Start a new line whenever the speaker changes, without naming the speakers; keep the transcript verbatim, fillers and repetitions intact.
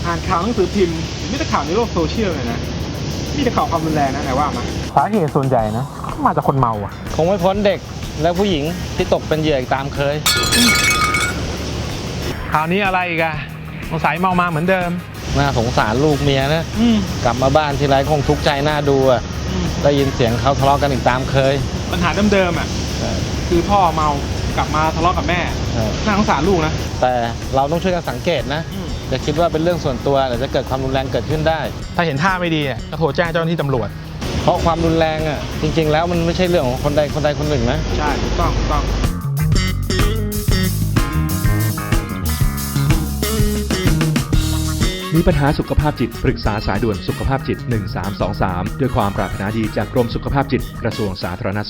อ่านข่าวหนังสือพิมพ์มีแต่ข่าวในโลกโซเชียลเลยนะมีแต่ข่าวความรุนแรงนะไหนว่ามาสาเหตุส่วนใหญ่นะมาจากคนเมาอ่ะ
คงไม่พ้นเด็กและผู้หญิงที่ตกเป็นเหยื่ออีกตามเคย
ข่าวนี้อะไรอีกอะสงสัยเมามาเหมือนเดิม
น่าสงสารลูกเมียนะกลับมาบ้านทีไรคงทุกข์ใจหน้าดูอ่ะได้ยินเสียงเขาทะเลาะกันอีกตามเคย
ปัญหาเดิมๆอ่ะคือพ่อเมากลับมาทะเลาะกับแม่น่าสงสารลูกนะ
แต่เราต้องช่วยกันสังเกตนะอย่าคิดว่าเป็นเรื่องส่วนตัวเดี๋ยวจะเกิดความรุนแรงเกิดขึ้นได้
ถ้าเห็นท่าไม่ดีก็โทรแจ้งเจ้าหน้าที่ตำรวจ
เพราะความรุนแรงอ่ะจริงๆแล้วมันไม่ใช่เรื่องของคนใดคนใดคนหนึ่งนะ
ใช่ถูกต้องถูกต้อง
มีปัญหาสุขภาพจิตปรึกษาสายด่วนสุขภาพจิตหนึ่งสามสองสามด้วยความปรารถนาดีจากกรมสุขภาพจิตกระทรวงสาธารณสุข